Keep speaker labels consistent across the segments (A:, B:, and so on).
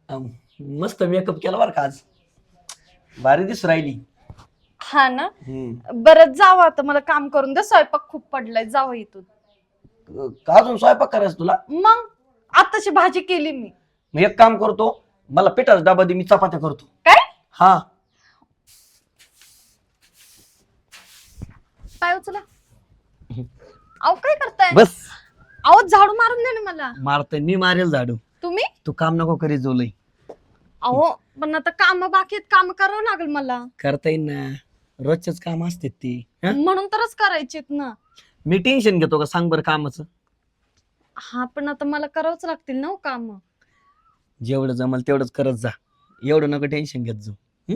A: अं, मस्त मेकअप केला बरं का आज. भारी दिसू राहिली.
B: हा ना. बरं जावं आता, मला काम करून दे, स्वयंपाक खूप पडलाय, जावं इथून.
A: का अजून स्वयंपाक करायचं तुला?
B: मग आताची भाजी केली मी.
A: मग एक काम करतो, मला पिठाचा डबा दे, मी चपात्या करतो.
B: काय
A: हा.
B: पाय उचला. अहो काय करताय?
A: बस.
B: अहो झाडू मारून दे ना मला.
A: मारतय मी, मारेल झाडू.
B: तुम्ही?
A: तू काम नको करीत जोलय.
B: अहो पण आता काम बाकी आहेत, काम करावं लागेल मला.
A: करता येईल ना, रोजचेच काम असते ती. हं?
B: म्हणून तरच करायचेत ना.
A: मी टेन्शन घेतो का सांग बरं कामाचं?
B: हा पण आता मला करावंच लागतील ना काम.
A: जेवढं जमल तेवढंच करत जा, एवढं नको टेन्शन घेत जाऊ.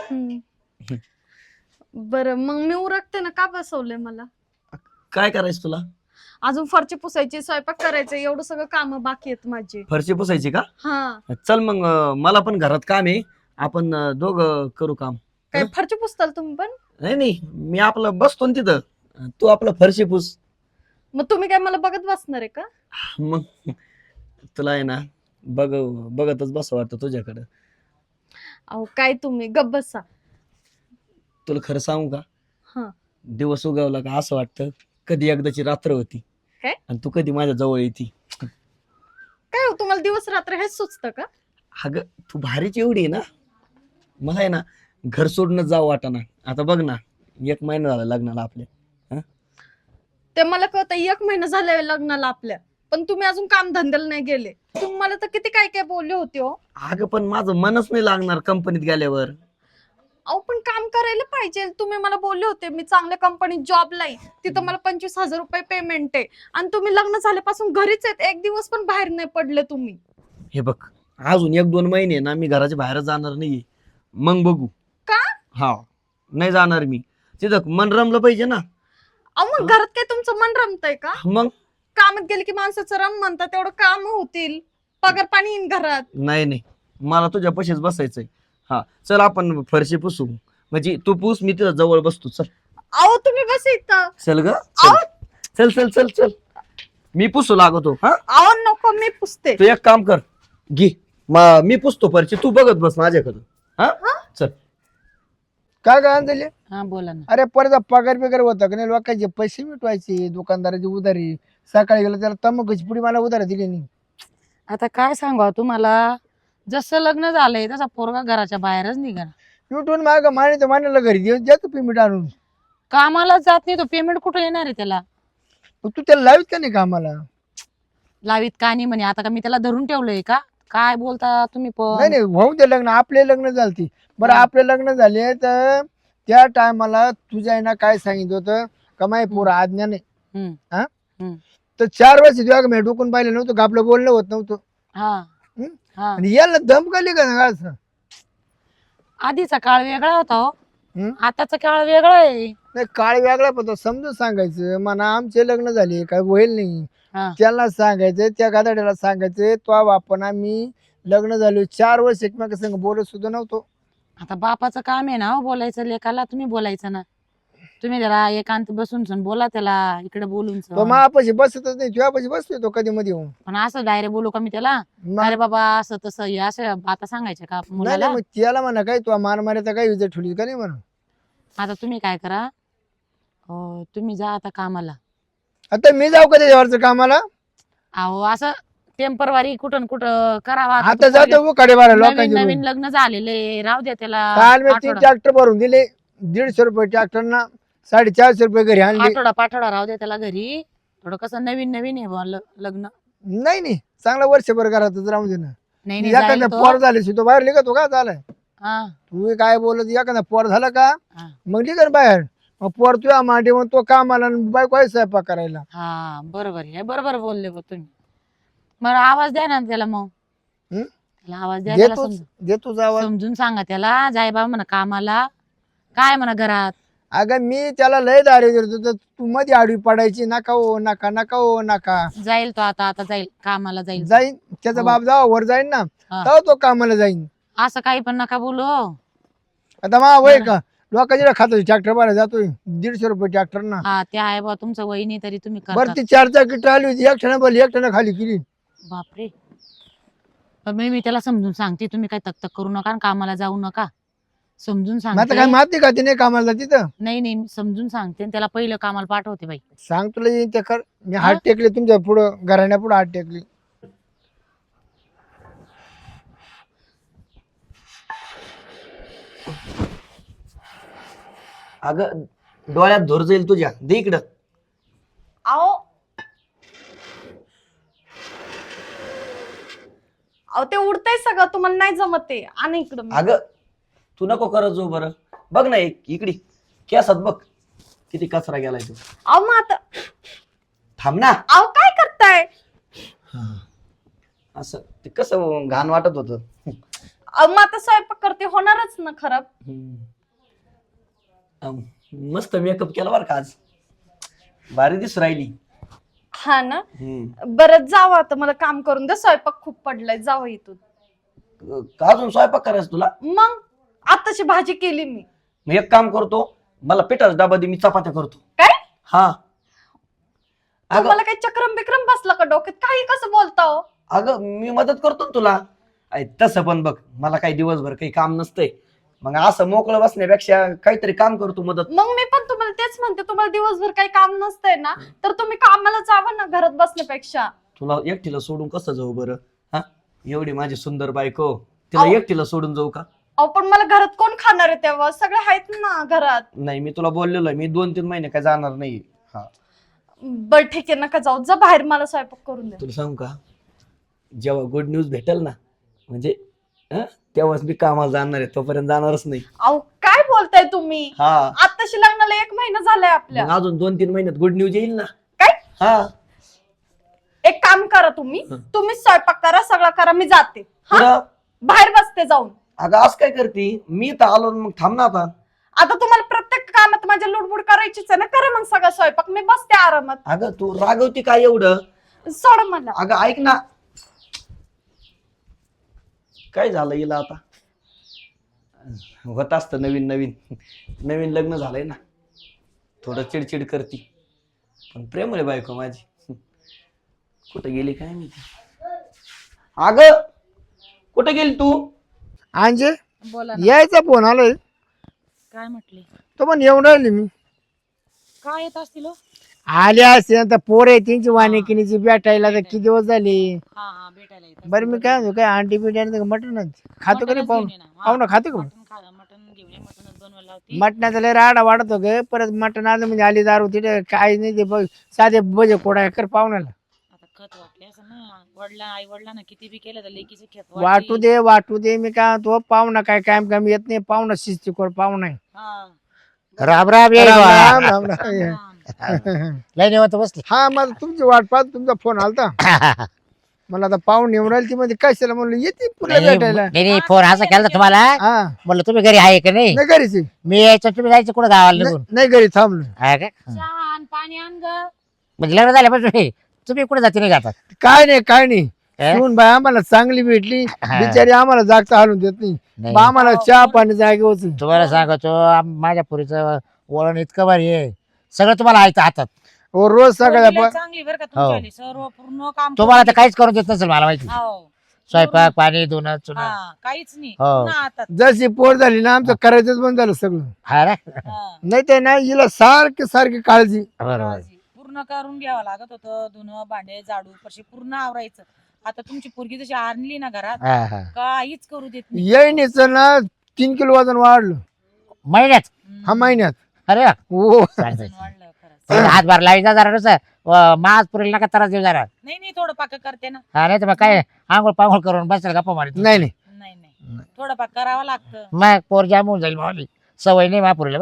B: बरं मग मी उरकते ना, का बसवलंय मला?
A: काय करायचं तुला?
B: अजून फरची पुसायची, स्वयंपाक करायचं, एवढं सगळं काम बाकी आहेत माझे.
A: फरशी पुसायची का?
B: हा.
A: चल मग, मला पण घरात काम आहे, आपण दोघं करू काम.
B: काय फरची पुसताल तुम्ही पण?
A: नाही नाही, मी आपलं बसतो ना तिथं, तू आपलं फरशी पुस.
B: मग तुम्ही काय मला बघत बसणार आहे का?
A: मग तुला आहे ना बघतच बस वाटतं तुझ्याकडं.
B: अहो काय तुम्ही गप्प बसा.
A: तुला खरं सांगू का?
B: हा.
A: दिवस उगवला का असं वाटतं कधी एकदाची रात्र होती
B: काय?
A: आणि तू कधी माझ्या जवळ येते.
B: काय हो, तुम्हाला दिवस रात्र हेच सुचतं का?
A: अगं तू भारीच एवढी आहे ना, मला आहे ना घर सोडूनच जावं वाटाना. आता बघ ना, 1 महिना झाला लग्नाला आपल्या.
B: ते मला कळतं, 1 महिना झालाय लग्नाला आपल्या, पण तुम्ही अजून काम धंद्याला नाही गेले. तुम्ही मला तर किती काय काय बोलले होते हो.
A: अगं पण माझं मनच नाही लागणार कंपनीत गेल्यावर.
B: अहो पण काम करायला पाहिजे. तुम्ही मला बोलले होते मी चांगल्या कंपनीत जॉबला आहे, तिथं मला 25,000 रुपये पेमेंट आहे, आणि तुम्ही लग्न झाल्यापासून घरीच आहेत, एक दिवस पण बाहेर नाही पडले तुम्ही.
A: हे बघ, अजून 1-2 महिने ना मी घराच्या बाहेर जाणार नाहीये, मग बघू.
B: का?
A: हा, नाही जाणार मी. तिथं मन रमलं पाहिजे ना.
B: अहो मग घरात काय तुमचं मन रमतंय का?
A: मग
B: कामात गेले की माणसाचं रम म्हणतात, तेवढं काम होतील, पगार पाणी येईन घरात.
A: नाही नाही, मला तुझ्या पशीच बसायचंय. हा चल, आपण फरशी पुसू, म्हणजे तू पुस, मी तिथं जवळ बसतो. चल.
B: अहो तुम्ही बस इथं.
A: चल ग,
B: अहो
A: चल चल चल चल, मी पुसू लागतो. हा,
B: अहो नको, मी पुसते.
A: तू एक काम कर, घे, मी पुसतो फरशी, तू बघत बस माझ्याकडं. हा चल.
C: काय काय आणले?
D: हा बोला ना.
C: अरे परत पगार बिगार होता का नाही, लोकांचे पैसे मिटवायचे, दुकानदाराची उधारी. सकाळी गेलं त्याला तंबाखूची पुडी मला उधारी दिली नाही.
D: आता काय सांगा तुम्हाला, जसं लग्न झालंय तसा पोरगा घराच्या बाहेरच निघा.
C: मिटवून माग माने तर मानायला घरी देऊ द्याचं पेमेंट आणून.
D: कामाला जात नाही तो, पेमेंट कुठं येणार आहे त्याला?
C: मग तू त्याला लावित का नाही कामाला?
D: लावीत का नाही म्हणे, आता का मी त्याला धरून ठेवलंय का? काय बोलता तुम्ही
C: नाही
D: पण?
C: नाही, होऊ दे लग्न, आपले लग्न झालती. बरं आपले लग्न झाले तर त्या टायमाला तुझ्या आईनं काय सांगितलं होतं का माही पोरं आज्ञा नाही.
D: हम्म,
C: हा
D: हम्म.
C: तर 4 वर्ष तुझ्या मी डोकून पाहिलं नव्हतं का, आपलं बोलणं होत नव्हतं.
D: हा
C: हम्म?
D: हा.
C: आणि याला दम काढली का ना असं?
D: आधीचा काळ वेगळा होता हो,
C: हम्म?
D: आताचा काळ वेगळा आहे.
C: नाही, काळ वेगळा पण तो समजून सांगायचं, म्हणा आमचे लग्न झाले काय होईल नाही.
D: हा.
C: त्याला सांगायचं, त्या गादाड्याला सांगायचं, तो आपण आम्ही लग्न झालो 4 वर्ष एकमेका संग बोलत सुद्धा नव्हतो.
D: आता बापाचं काम आहे ना हो बोलायचं, लेकाला तुम्ही बोलायचं ना. तुम्ही त्याला एकांत बसून सण बोला त्याला, इकडे बोलून सण.
C: तो मापाशी बसतच नाही, तुझ्यापाशी बसतोय तो कधी मध्ये येऊन.
D: पण असं डायरेक्ट बोलू का मी त्याला? अरे बाबा असं तसं हे असं आता सांगायचं का
C: नाही
D: मुलाला?
C: नाही, मग त्याला म्हणा काय तू मार मारायचा काय विजय ठेवली का नाही म्हणा.
D: आता तुम्ही काय करा, तुम्ही जा आता कामाला.
C: आता मी जाऊ का त्याच्यावरचं कामाला?
D: अहो असं टेम्परवारी कुठं कुठं करावा.
C: आता जातो कडे बारा
D: नवीन
C: लोकांचे
D: नवीन लग्न झालेले, राहू द्या त्याला.
C: काल मी 3
D: आठवडा
C: ट्रॅक्टर भरून दिले, 150 रुपये ट्रॅक्टरना, 450 रुपये घरी आणले.
D: पाठवडा राहू द्या त्याला घरी. थोडं कसं नवीन नवीन आहे बुवा लग्न.
C: नाही नाही, चांगला वर्षभर घरातच राहून दे ना.
D: नाही नाही जाईल
C: एखादा
D: तो.
C: पोर झाले तो बाहेर निघतो का झालाय?
D: हा
C: तू काय बोलत, एखादा पोर झाला का
D: हा.
C: मग निघ बाहेर. मग पोर तुझ्या मांडी मग तो कामाला आणि बायको आहे स्वयंपाक करायला.
D: हा बरोबर आहे, बरोबर बोलले बुवा तुम्ही. मला आवाज द्या ना त्याला मग.
C: हम्म?
D: त्याला आवाज द्या, त्याला
C: देतोच देतोच आवाज.
D: समजून सांगा त्याला, जाय बाबा म्हणा कामाला, काय म्हणा घरात.
C: अगं मी त्याला लय दारी देतो, तर तू मध्ये आडवी पडायची, नका हो नका, नका हो नका.
D: जाईल तो आता जाईल कामाला जाईल.
C: जाईन त्याचा
D: हो.
C: बाप जावा वर जाईन ना,
D: हा.
C: तेव्हा तो कामाला जाईन.
D: असं काही पण नका बोलू हो.
C: आता मा वय का लोकांच्या खातो ट्रॅक्टर भरायला जातोय 150 रुपये ट्रॅक्टर ना.
D: हा ते आहे बा तुमचं वहिनी, तरी तुम्ही
C: बरं
D: करता.
C: ती 4 चाकी आली होती, एक ठिकाणी बोलली, एक ठिकाणी खाली केली.
D: बापरे. पण मी त्याला समजून सांगते, तुम्ही काय तक करू नका आणि कामाला जाऊ नका. समजून
C: मग आता
D: सांगते.
C: काय माती का नाही कामाला तिथं
D: नाही नाही, मी समजून सांगते आणि त्याला पहिलं कामाला पाठवते बाई.
C: सांग तुला येईन ते कर. मी हात टेकले तुमच्या पुढं घराण्या पुढे हात टेकली.
A: अगं डोळ्यात धूर जाईल तुझ्या, दे इकडं.
B: अहो अहो ते उडतंय सगळं, तुम्हाला नाही जमत ते. आणि इकडं
A: अगं तू नको करत जाऊ बरं. बघ ना एक इकडे केसात बघ किती कचरा गेलाय तू.
B: अहो मग आता
A: थांब ना.
B: अहो काय करताय?
A: असं ते कसं घाण वाटत होत.
B: अहो मग आता स्वयंपाक करते, होणारच ना खराब.
A: मस्त मेकअप केला बरं का आज, भारी दिसू राहिली.
B: हा ना. बरं जावं आता, मला काम करून द्या, स्वयंपाक खूप पडलाय. जावं इथून.
A: का अजून स्वयंपाक करायचं तुला?
B: मग आताची भाजी केली मी.
A: मग एक काम करतो, मला पिठाचा डबा दे, मी चपात्या करतो.
B: काय
A: हा. अगं
B: तुम्हाला काही चक्रम बिक्रम बसला का डोक्यात? काही कसं बोलता हो?
A: अगं मी मदत करतो ना तुला. तसं पण बघ, मला काही दिवसभर काही काम नसतंय, मग असं मोकळं बसण्यापेक्षा काहीतरी काम करतो मदत.
B: मग मी पण तुम्हाला तेच म्हणते, तुम्हाला दिवसभर काही काम नसतंय ना, तर तुम्ही कामाला जावं ना घरात बसण्यापेक्षा.
A: तुला एकटीला सोडून कसं जाऊ बरं? हा, एवढी माझी सुंदर बायको, तिला
B: अहो.
A: एकटीला सोडून जाऊ का?
B: अहो पण मला घरात कोण खाणार आहे तेव्हा? सगळे आहेत ना घरात.
A: नाही, मी तुला बोललेलो आहे, मी 2-3 महिने काय जाणार नाही. हा,
B: बर ठीक आहे, नका जाऊ, जा बाहेर, मला स्वयंपाक करून द्या.
A: तुला सांगू का, जेव्हा गुड न्यूज भेटेल ना, म्हणजे तेव्हाच मी कामाला जाणार आहे, तोपर्यंत जाणारच नाही.
B: अहो काय बोलताय तुम्ही?
A: हा,
B: आताशी लग्नाला 1 महिना झालाय आपल्या.
A: मग अजून 2-3 महिन्यात गुड न्यूज येईल ना.
B: काय?
A: हा.
B: एक काम करा, तुम्ही स्वयंपाक करा, सगळं करा, मी जाते. हा?
A: पुढं
B: बाहेर बसते जाऊन.
A: अगं आज काय करते? मी तर आलो, मग थांब ना आता.
B: आता तुम्हाला प्रत्येक कामात माझ्या लुडबुड करायचीच आहे ना, करा मग सगळा स्वयंपाक, मी बसते आरामात.
A: अगं तू रागवती काय एवढं?
B: सोड मला.
A: अगं ऐक ना, काय झालं हिला आता? होत असतं नवीन नवीन नवीन लग्न झालंय ना, थोडं चिडचिड करती, पण प्रेम आहे बायको माझी. कुठं गेली काय माहिती? अगं कुठं गेली तू?
C: अंजे
D: बोला ना.
C: यायचा फोन आलोय,
D: काय म्हटले?
C: तो पण येऊन राहिली मी.
D: काय येत असतील हो?
C: आले असते आता पोर आहे त्यांची वाणिकिनीची भेटायला, तर किती दिवस झाले.
D: हा भेटायला येत.
C: बरं मी काय म्हणतो, काय आंटी बिटी मटण खातो का नाही? पाहुणा खातो का?
D: मटन घेऊन ये, मटनच बनवायला लावते.
C: मटणाचा लय राडा वाढत ग. परत मटण आलं म्हणजे आली दारू तिथे काय नाही, ते बघ साधे बजे कोडा कर पाहुण्याला.
D: आता खत वाटले असं ना, आई वडिलांना किती बी केलं तर लेकीचे खेत
C: वाटू दे. मी काय तो पाहुणा काय कायम काम येत नाही, पाहुणा शिस्तीकोर पाहुणा आहे.
E: राम राम
C: राम राम राम.
E: लय निवांत बसले.
C: हा, मला तुमची वाट पाहत तुमचा फोन आलता. मला आता पाहून येऊन राहिली ती मध्ये, कशाला म्हणलं येते पुढे भेटायला.
E: नाही फोन असा केला तुम्हाला,
C: हा
E: म्हणलं तुम्ही घरी आहे का नाही.
C: नाही घरीच आहे.
E: मी यायचं, तुम्ही जायचं कुठं गावाला निघून.
C: नाही घरी थांबलो.
E: आहे का?
D: चहा आण, पाणी आण ग.
E: म्हणजे लग्न झाल्यापासून तुम्ही कुठे जाते नाही जातात?
C: काय नाही
E: हे?
C: सुन बाय आम्हाला चांगली भेटली, बिचारी आम्हाला जागता हालून देत नाही.
E: नाही.
C: बा आम्हाला चहा पाणी जागे होत.
E: तुम्हाला सांगतो, माझ्या पुरीचं वळण इतकं भारी आहे, सगळं तुम्हाला ऐकतं हातात.
C: हो रोज सकाळी
D: पोरगी लय चांगली बरं का तुमच्यावाली, सर्व पूर्ण काम
E: तुम्हाला तर काहीच करून देत नसेल मला माहिती.
D: हो.
E: स्वयंपाक पाणी धुणं चुणं.
D: हा, काहीच नाही,
E: हो.
D: पूर्ण हातात.
C: जशी पोर झाली ना, आमचं करायचंच बंद झालं सगळं.
E: हा ना,
D: हा.
C: नाही तर ना हिला सारखी काळजी.
E: बरोबर.
D: काळजी. पूर्ण करून घ्यावं लागत होतं, धुणं भांडे झाडू परशी पूर्ण आवरायचं. आता तुमची पोरगी जशी आणली ना घरात,
E: हा हा.
D: काहीच करू देत नाही.
C: येईनीच ना 3 किलो वजन वाढलं
E: महिन्यात.
C: हा महिन्यात.
E: अरे वा.
C: हो
E: चांगलं.
D: वजन वाढलं खरंच.
E: तुम्ही हातभार लावायचा जरा नुसतं, मास पुरेल नका त्रास देऊ जरा.
D: नाही थोडं पाक करते ना.
E: हा, नाही तर मग काय आंघोळ पांघोळ करून बसेल गप्पा मारित.
C: नाही
D: नाही थोडं पाक करावं लागतं.
E: मग पोर जाम होऊन जाईल मावली, सवय नाही महापुरीला.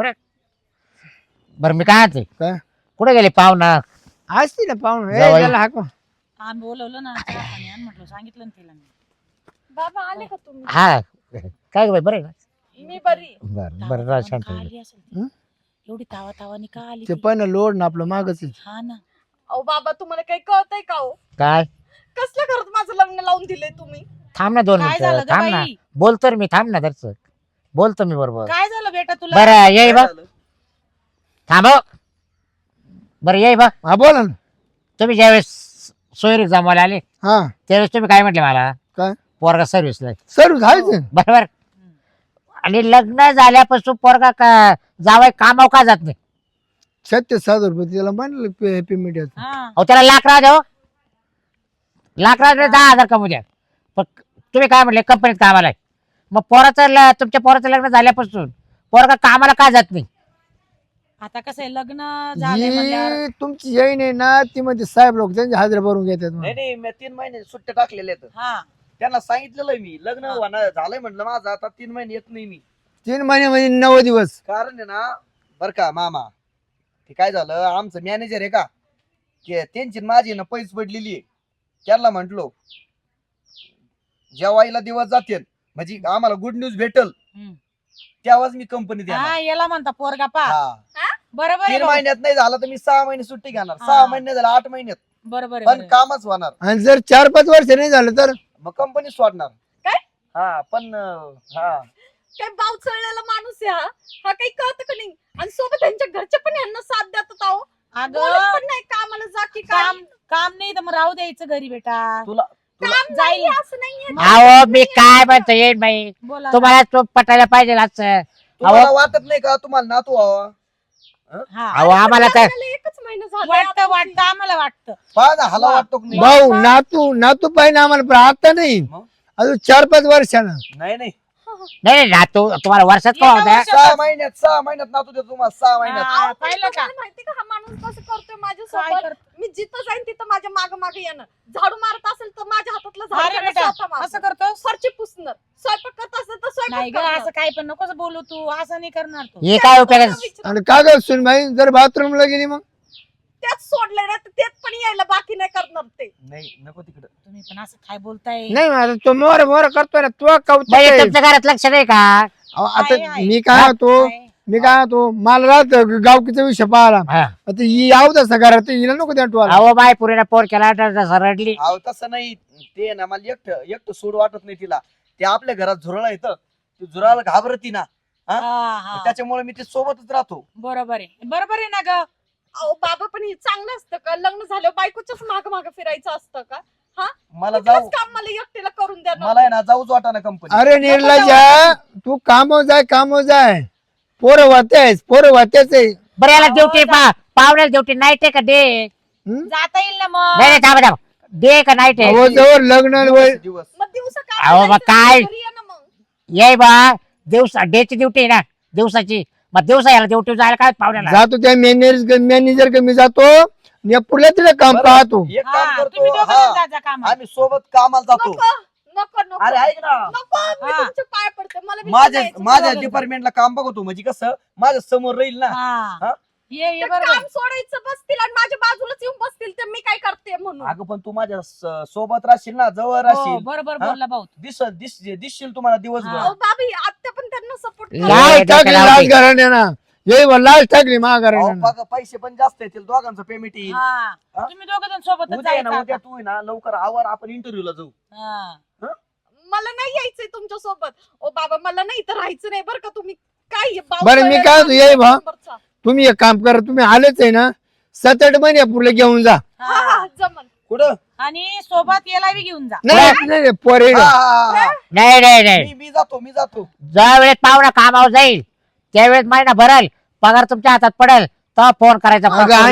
E: बरं मी काय म्हणते,
C: काय
E: कुठे गेले पाहुणा?
C: असते ना पाहुणे
E: जावई.
C: त्याला हाक मार.
D: आम्ही बोलवलं ना, चहा पाणी आण म्हटलं, सांगितलं ना तिला मी.
B: बाबा आले का तुम्ही?
E: हा, काय ग बाई, बरं आहे का?
B: मी बरी.
E: बरं बरं, राहा शांत.
D: का आली असेल ती?
C: हं?
D: एवढी तावानी का आली
C: ते
D: ती?
C: पण लोड ना आपलं मागच आहे.
D: हा ना.
B: अहो बाबा, तुम्हाला काही कळतंय का हो?
E: काय?
B: कसल्या घरात माझं लग्न लावून दिलंय तुम्ही?
E: थांब ना 2
D: काय झालं
E: मिनिटं,
D: ग
E: थांब ना.
D: बाई?
E: बोलतो रे मी, थांब ना दर्शक, बोलतो मी बरोबर.
D: काय झालं बेटा तुला?
E: बरं येई बघ,
A: काय झालं?
E: थांब हो. बरं येई बघ,
C: हा बोला ना.
E: तुम्ही ज्यावेळेस सोयरीक जमवायला आले
C: हा
E: त्यावेळेस तुम्ही काय म्हटले मला?
C: काय?
E: पोरगा सर्व्हिसला
C: सर घायचं
E: बरोबर. आणि लग्न झाल्यापासून पोरगा जावाय कामाव का जात नाही?
C: 36,000 त्याला म्हणलं पेमेंट याचं.
D: हा.
E: अहो त्याला लाख राहा द्या, लाख राहा 10,000 कमवू द्या. पण तुम्ही काय म्हणले कंपनीत कामाला आहे. मग तुमच्या पोराचं लग्न झाल्यापासून पोरगा कामाला का जात नाही?
D: आता कसं आहे लग्न झालंय म्हणल्यावर
C: ही तुमची येईन आहे ना ती म्हणजे साहेब लोक त्यांची हाजरी भरून घेतात म्हणून.
A: नाही नाही मी 3 महिने सुट्ट्या टाकलेल्या आहेत.
D: हा
A: त्यांना सांगितलेलं मी लग्न होणार झालंय म्हटलं माझं आता 3 महिने येत नाही मी.
C: 3 महिने म्हणजे 9 दिवस.
A: कारण आहे ना बर का मामा ते काय झालं आमचं मॅनेजर आहे का ते त्यांची न माझी ना पैस पडलेली आहे. त्यांना म्हंटलो जेवायला दिवस जाते म्हणजे आम्हाला गुड न्यूज भेटल
D: हम्म.
A: तेव्हाच मी कंपनीत येणार.
D: हा याला म्हणता पोरगा पा
A: हा.
D: बरोबर आहे
A: 3
D: भाऊ.
A: महिन्यात नाही झालं तर मी 6 महिने सुट्टी घेणार.
D: हा.
A: 6 महिने झालं 8 महिन्यात
D: बरोबर आहे,
A: पण
D: बरोबर आहे.
A: कामच होणार.
C: आणि जर 4-5 वर्ष नाही झालं तर
A: मग कंपनी सोडणार.
B: काय?
A: हा पण हा
B: काय बाव चळलेला माणूस आहे हा काही कळत का नाही. आणि सोबत त्यांच्या घरचे पण यांना साथ देतात आहो. बोलत
D: अगं
B: पण नाही कामाला जा की काय.
D: काम काम नाही तर मग राहू द्यायचं घरी बेटा.
A: तुला
B: काम
D: जाईल.
B: नाही असं नाहीये.
E: अहो मी काय म्हणतो येईन बाई,
D: बोला ना.
E: तुम्हाला तो पटायला पाहिजे असं.
A: तुम्हाला वाटत नाही का तुम्हाला नातू व्हावा.
D: हा
E: अहो आम्हाला तर
B: लग्नाला एकच महिना झाला
D: वाटतं आम्हाला वाटतं.
A: पहा ना हाला वाटतो की नाही.
C: भाऊ नातू पाहिजे आम्हाला पण आता नाही
A: मग?
C: अजून 4-5 वर्षानं.
A: नाही नाही
E: नाही ना तो तुम्हाला वर्षात का
D: एका
E: होता?
D: वर्षात-
A: 6 महिन्यात नातू देतो तुम्हाला 6 महिन्यात.
D: हा,
B: पण
D: पाहिलं का
B: तुम्हाला माहिती का हा माणूस कसं करतोय
D: काय
B: माझ्यासोबत.
D: करतो?
B: मी जिथं जाईन तिथं माझ्या माग मागे येणं. झाडू मारत असेल तर माझ्या हातातलं
D: अरे
B: झाडू
D: बेटा
B: स्वतः मारणार.
D: असं करतो
B: फरची पुसणार. स्वयंपाक करत असेल तर
D: नाही
B: स्वयंपाक
D: ग
B: करणार.
D: असं काही पण नकोच बोलू तू असं नाही करणार तू.
E: हे काय उपयोगाचं?
B: विचार-
C: आणि का ग सुन भाई जर बाथरूमला गेली मग
B: त्यात सोडलंय ना तर तेच पण यायला बाकी नाही करणार ते.
A: नाही नको तिकडं.
D: तुम्ही पण असं काय बोलताय.
C: नाही माझा तो मोर करतोय ना तो कौतुक
E: म्हणजे
C: आहे.
E: तुमच्या घरात लक्ष नाही का?
C: अहो,
D: आहे,
C: आता
D: आहे.
C: मी काय होतो मला राहत गावकीचा विषय पाहिला
E: हा.
C: आता ही याव तसा घरात हिला नको त्या टोला.
E: अहो बाय पुरीला पोर केला रडली.
A: अहो तसं नाही ते ना मला एकटं सोड वाटत नाही तिला. ते आपल्या घरात झुरळ येतं ती झुरळाला घाबरती ना
D: हा, हा.
A: त्याच्यामुळे मी ते सोबतच राहतो.
D: बरोबर आहे ना ग.
B: अहो बाबा पण हे चांगलं असतं का. लग्न झाल्यावर बायकोच्याच माग माग फिरायचं असतं का.
A: मला
B: कुठलंच
A: जाऊ
B: काम मला एकटीला करून द्या ना.
A: मला आहे ना जाऊच वाटा ना कंपनी.
C: अरे निर्लजा तू कामो जाय पोरं वात्याच आहे.
E: बरं याला
D: अहो,
E: ड्युटी पावण्याला ड्युटी नाईट आहे का डे?
C: हं?
D: जाता येईल ना मग.
E: नाही थांबा डे का नाईट
C: अहो,
E: आहे?
C: जवळ लग्न वय
A: दिवस
B: मग दिवसा
E: अहो, मग काय?
B: मग
E: ये बा दिवसा डेची ड्युटी आहे ना दिवसाची. मग दिवसा याला ड्युटी जायला काय पावण्याला?
C: जातो त्या मॅनेजर कमी जातो नेपुरला तिला काम
A: बरं,
C: पाहतो.
A: एक
D: हा,
A: काम
D: तुम्ही
A: करतो.
D: दोघं
A: हा
D: जण जा, जा कामाला.
A: आम्ही सोबत कामाला जातो.
B: नको नको
A: अरे ऐक ना
B: नको मी
D: हा.
B: तुमचे पाय पडते मला बी
A: माझ्या
B: जायचं.
A: माझ्या
D: दोघं.
A: डिपार्टमेंटला काम बघतो म्हणजे कसं माझ्या समोर राहील ना.
D: हा.
A: हा?
D: ये
B: ते
D: बरोबर
B: काम सोडायचं बसतील आणि माझ्या बाजूलाच येऊन बसतील तर मी काय करते म्हणून.
A: अगं पण तू माझ्या सोबत राहशील ना जवळ
D: हो,
A: राहशील.
D: बरोबर
A: हा?
D: बोलला भाऊ.
A: दिसशील तुम्हाला दिवसभर.
D: हा.
B: अहो बाबी आत्या पण त्यांना सपोर्ट
E: ला-
C: लाच
E: डोक्याला
C: टाकली
E: लावते.
C: लाच घराण्याना लाच टाकली मा
A: अहो,
C: घराण्यानं.
A: बघा, पैसे पण जास्त येतील दोघांचं पेमेंट येईल.
D: हा
A: हा?
D: तुम्ही दोघं जण सोबतच
A: उद्या आहे ना
D: जायचं
A: उद्या
D: आता.
A: तू आहे ना लवकर आवर आपण इंटरव्ह्यूला जाऊ.
D: हा.
B: मला नाही यायचंय तुमच्या सोबत. ओ बाबा मला नाही इथं राहायचं नाही बरं का. तुम्ही काय
C: बरं, मी काय होतो, ये भा. तुम्ही एक काम करा तुम्ही आलेच आहे ना 7-8 महिने पुढे घेऊन जा.
B: हा हा जमन.
A: कुठं?
D: आणि सोबत याला बी घेऊन जा.
C: नाही पोरे
A: हा, हा, हा.
E: नाही
A: मी जातो.
E: ज्या वेळेस पाहुणा कामावर जाईल त्यावेळेस महिना भरल पगार तुमच्या हातात पडेल तेव्हा फोन करायचा.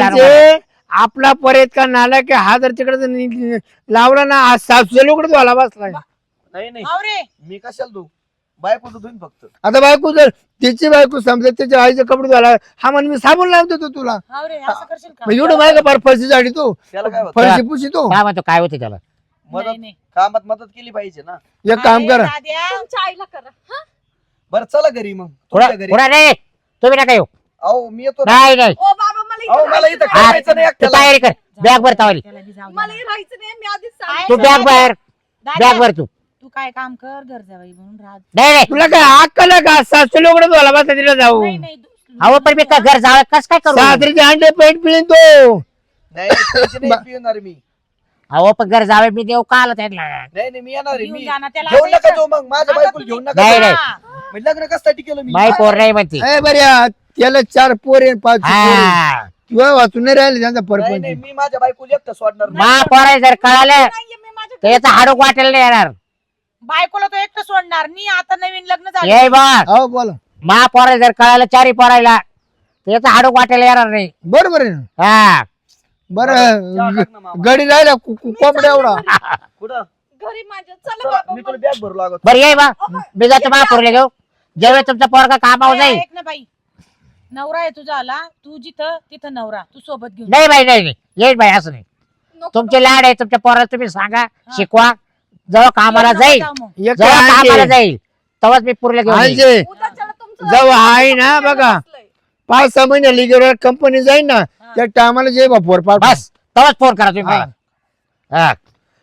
C: आपला परत का नाला की हा जर तिकडे लावला ना आज 700 लोकडे आला बसलाय.
A: नाही
D: अरे
A: मी कशाला तू बायकोचं धुईन फक्त.
C: आता बायको जर तिची बायको समजा त्याच्या आईचे कपडे धुवायला हा म्हण मी साबण लावतो तो तुला
D: अरे असं करशील का?
C: मग एवढं माहिती का फरशी झाडी तू
A: त्याला काय होतं
C: फरशी पुशी तो
E: काय म्हणतो काय होते त्याला?
A: मदत
D: नाही.
A: कामात मदत केली पाहिजे ना.
C: एक काम
D: अरे
C: करा
D: दाद्या,
B: तुमच्या आईला करा. हा?
A: बरं चला घरी मग
E: पुढे
A: तुमच्या घरी.
E: पुढे नाही तुम्ही नका येऊ.
A: अहो मी येतो ना.
E: नाही नाही
B: ओ बाबा मला
A: अहो
B: इथं
A: मला इथं
B: राहायचं नाही.
A: करायचं नाही
E: तू
A: एकट्याला.
E: तयारी कर बॅग भर तावली.
D: त्याला बी जाऊ दे
B: मला
D: ना.
B: हे राहायचं नाही मी आधीच
D: काय
B: सांगितलं.
E: तू बॅग भर
D: दाद्या,
E: बॅग भर तू.
D: तू काय काम कर घर जावई म्हणून राहत.
E: नाही नाही
C: तुला काय अक्कल आहे का 700 लोकडे धुवायला बसला तिला जाऊ
D: नाही
E: अहो पण मी घर जावं कस काय करू?
C: सासरीचे अंडे पेट पिळीन तो
A: नाही पैसे नाही पिणार मी.
E: अहो पण घर जावे मी देऊ का आला त्यांना?
A: नाही मी येणार आहे.
D: घेऊन
A: मी
D: जा ना त्याला.
A: घेऊन
D: आता
A: नका
D: इथं-
A: जाऊ मग माझ्या
D: आता
A: बायकोला
D: तुम्ही-
A: घेऊन नका
E: नाही,
A: जाऊ.
E: नाही.
D: हा.
A: मग लग्न कशासाठी केलं मी?
E: माई पोर नाही म्हणते.
C: ए बऱ्या त्याला 4 पोरे 5
E: हा
C: किंवा वाचून नाही राहिले त्यांचा
A: नाही
C: परपंच
A: मी माझ्या बायकोला एकटं सोडणार नाही.
E: मा पोराय जर कळालं
B: नाहीये मी माझ्या
E: तर याचा हाडूक वाटेल नाही येणार.
D: बायकोला तो एकटं सोडणार नाही. आता नवीन लग्न झालं.
E: ये बा
C: हो बोला
E: मा पोराला जर कळालं चारी पोरायला त्याचा हाडूक वाटायला येणार नाही.
C: बरोबर आहे ना
E: हा
C: बरं
A: चहा टाक ना मामा.
C: गडी राहिला कोंबड्या एवढा
A: कुठं
B: घरी माझ्या चला
A: चला,
B: बाबा
A: मी तुला बॅग भरू लागत
E: बरं ये बा मी जातो महापूरला घेऊ. ज्यावेळेस तुमचा पोरगा कामावर जाईल.
D: ऐक ना बाई, नवरा आहे तुझा आला, तू जिथं तिथं नवरा, तू सोबत घेऊन
E: नाही बाई नाही येईल बाई असं नाही.
B: नको.
E: तुमचे लाड आहे तुमच्या पोराला तुम्ही सांगा शिकवा. जेव्हा कामाला
D: नको
E: जाईल
D: जाऊ मग.
C: एक
E: जेव्हा कामाला
C: आणजे
E: जाईल तेव्हाच मी पुरला घेऊन येईल.
C: आणजे
B: उद्याच्याला तुमचं
C: जेव्हा आहे ना बघा
B: बसलंय.
C: 5-6 महिने लिगेवर कंपनी जाईल ना त्या टायमाला जे बापोर पाठ
E: बस तेव्हाच फोन करा तुम्ही मला. हा.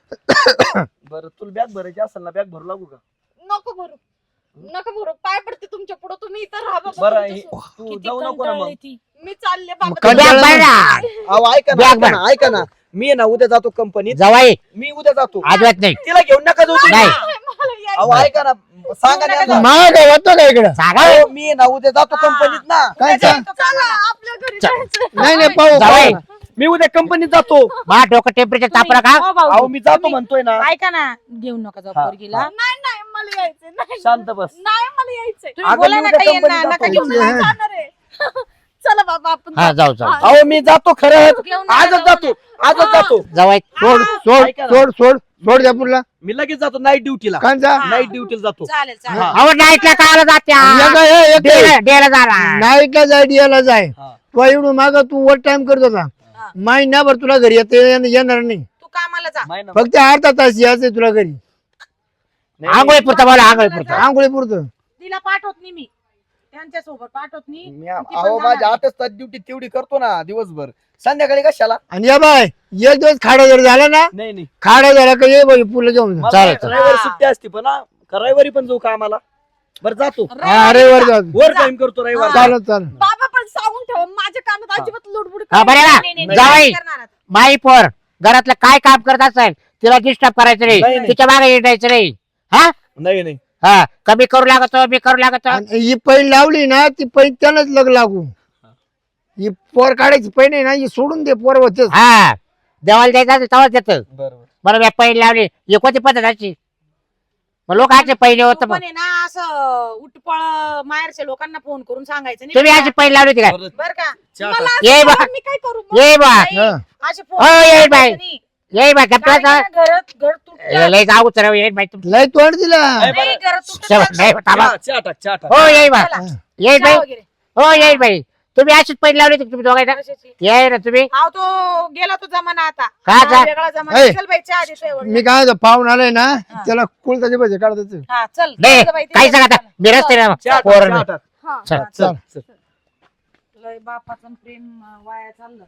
A: बरं तुला बॅग भरायची असेल ना बॅग भरू लागू का
B: नको भरू नका भरू पाय पडते तुमच्या पुढे तुम्ही इथं राहा बाबा
A: बरं
B: तुमच्यासोबत.
A: तू
D: किती
A: जाऊ नको ना
D: कंटाळली
A: मग
D: ती.
B: मी चालले बाबा
C: मग
E: बॅग
C: कंटाळा
E: भर ना.
A: अहो ऐका ना
E: बॅग
A: ऐका ना ऐका ना मी आहे ना उद्या जातो कंपनीत
E: जवाई
A: मी उद्या जातो
E: अजिबात नाही.
A: तिला घेऊन नका जाऊ तुम्ही.
E: नाही.
B: मला यायचं.
A: अहो ऐका ना सांगा ना यांना.
C: माग होतो का इकडं
E: सांगा
A: अहो, मी आहे ना उद्या जातो कंपनीत ना
C: काय
D: उद्या
C: सांग
D: जातो
B: चला
D: कामाला.
B: आपल्या घरी जायचं
C: नाही नाही पाहू
E: जावई.
C: पाहू.
A: मी उद्या कंपनीत जातो
E: मा डोकं टेम्परेचर तापलं का?
D: हो भाऊ,
A: अहो मी जातो
D: तुम्ही-
A: म्हणतोय ना
D: ऐका ना, घेऊ नका जाऊ
A: हा,
D: पोरगीला.
A: हा.
B: नाही नाही मला यायचंय नाही
A: शांत बस
B: नाही मला यायचंय
D: तुम्ही
A: अगं,
D: बोला
A: मी
D: ना
A: उद्या
D: काही यांना,
A: कंपनीत
D: नका
A: जातो.
D: घेऊन
C: हा.
D: जाऊ.
B: जाणार आहे चला बाबा आपण
E: हा जाऊ जाऊ.
B: हा.
A: अहो मी जातो खरंच
D: घेऊन नका
A: आजच
D: जाऊ
A: जातो आजच जातो
E: जवाई
C: सोड सोड
A: ऐका ना.
C: सोड सोड सोड द्या पुरला
A: मी लगेच जातो नाईट ड्युटीला
C: कांचा
D: हा.
A: नाईट ड्युटीला जातो
D: चालेल चालेल.
A: हा.
E: अहो नाईटला काला जात्या डेला जाणार.
C: नाईटला जाय डियाला जाय
A: हा.
C: तू एवढं माग तू वर टाइम करत होता
D: हा.
C: महिनाभर तुला घरी येणार नाही
D: तू कामाला जा.
A: माहिती ना?
C: फक्त अर्धा तास यायचं तुला घरी
A: नाही,
E: आंघोळी पुरता बोला आंघोळी पुरता.
C: आंघोळी पुरतं
D: तिला पाठवत नाही मी, त्यांच्या सोबत पाठवत नाही.
A: मी
D: ती पण
A: अहो माझ्या
D: जाणार
A: 8 तास ड्युटी तेवढी करतो ना दिवसभर संध्याकाळी कशाला
C: आणि या बाय एक दिवस खाडा जर झाला ना
A: नाही नाही
C: खाडा झाला का ये बाई पुढे जाऊन जा.
A: मला
E: चालेल, चालेल.
A: रविवारी सुट्टी असते पण हा, रविवारी पण जाऊ कामाला बरं जातो
C: हा, अरे वर जा
A: वर टाइम करतो रविवारी
C: चालत चालत
B: बाबा पण सांगून ठेवा माझ्या कानात अजिबात लुडबुड
E: हा बरे ना
D: नाही, नाही, नाही,
E: जावई
D: नाही करणार आता.
E: माई पोर घरातलं काय काम करत असेल तिला डिस्टर्ब करायचं
A: नाही,
E: नाही.
A: नाही.
E: तिच्या मागे येटायचं नाही. हा
A: नाही नाही
E: हा कमी करू लागतो मी करू लागतो.
C: आणि ही पैन लावली ना ती पैन त्यालाच लग लागू ही पोर काढायची पैन आहे ना ही सोडून दे पोर होतेच
E: हा देवाला द्यायचं असेल तेव्हाच देतं.
A: बरोबर
E: बरं मी पहिली लावली ही कोणती पद्धत अशी मग लोक असे पहिले
D: तू
E: होतं
D: पण आहे ना असं उठपळ माहेरच्या लोकांना फोन करून सांगायचं नाही
E: तुम्ही
D: बरं
E: अशी पहिली लावली होती काय
A: बरं,
D: बर का?
A: चहा
B: मला
A: टाक.
B: असं
E: ये बा.
B: करा, मी काय करू मग?
E: ये बा
D: नाही,
C: हा.
D: असे
E: हो, ये
D: फोन
E: बाई.
D: नाही.
E: ये बा
D: काय
E: गप्पा
D: नाही, घर तुटलं.
E: लय जाऊ चला येईल बाई तुमचं.
C: लय तोंड दिला
A: नाही,
D: नाही,
A: बरं.
D: घर तुटलं.
E: नाही थांबा.
A: चहा टाक चहा टाक
E: हो येईल बा
D: चला,
E: येईल
D: चहा
E: बाई
D: वगैरे.
E: हो येईल बाई तुम्ही अशीच पहिली लावली होती तुम्ही दोघांना
D: कशाची?
E: ये ना तुम्ही
D: अहो, तो गेला तो जमाना आता.
E: का जा?
D: हा, वेगळा जमाना.
C: ए.
D: चल बाई, चहा देतोय वडील.
C: मी काय म्हणतो, पाहून आलाय ना त्याला कुलताचे पैसे काढतात
D: हा, चल.
E: नाही
D: चल बाई, ते
E: काही सांगा आता मी रस्ते
A: चहा टाक,
E: पोरण
A: चहा टाक.
B: हा.
E: चल
A: चल चल
D: लय बापाचं प्रेम वाया चाललं.